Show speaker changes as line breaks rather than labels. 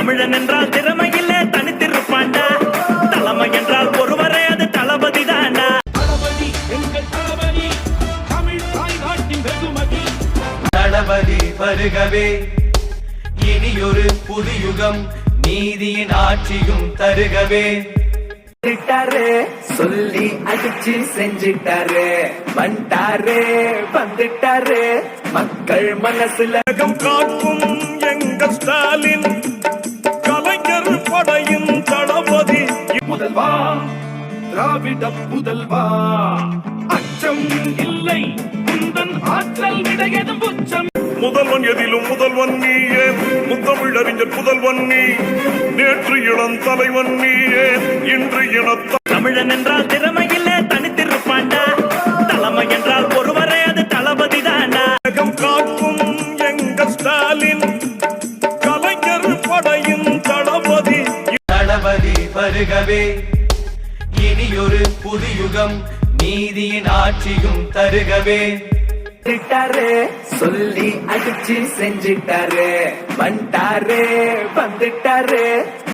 தமிழன் என்றால் திறமையிலே தனித்திருப்பாண்டா, தலைமை என்றால் ஒருவரே அது தளபதி தாண்டா.
தளபதி எங்கள் தளபதி, தமிழ் தாய்நாட்டின் வெகுமதி.
தளபதி வருகவே, இனியொரு புது யுகம், நீதியின் ஆட்சியும் தருகவே.
சொல்லி அடிச்சு செஞ்சிட்டாரு, வந்துட்டாரு வந்துட்டாரு மக்கள் மனசுல
காக்கும் எங்கள் ஸ்டாலின், கலைஞர் படையின் தளபதி.
முதல்வா திராவிட புதல்வா, அச்சம் இல்லை உந்தன் ஆற்றல் விடையதும் உச்சம்.
முதல்வன் எதிலும் முதல்வன் நீயே, முத்தமிழறிஞர் புதல்வன் நீ, நேற்று இளம் தலைவன் நீயே, இன்று இனத்த.
தமிழன் என்றால் திறமையிலே தனித்திருப்பாண்டா, தலைமை என்றால் ஒருவரே அது தளபதி தாண்டா.
காக்கும் எங்கள் ஸ்டாலின், கலைஞர் படையின் தளபதி.
தளபதி வருகவே, இனியொரு புது யுகம், நீதியின் ஆட்சியும் தருகவே.
சொல்லி அடிச்சு செஞ்சிட்டாரு, வந்துட்டாரு வந்துட்டாரு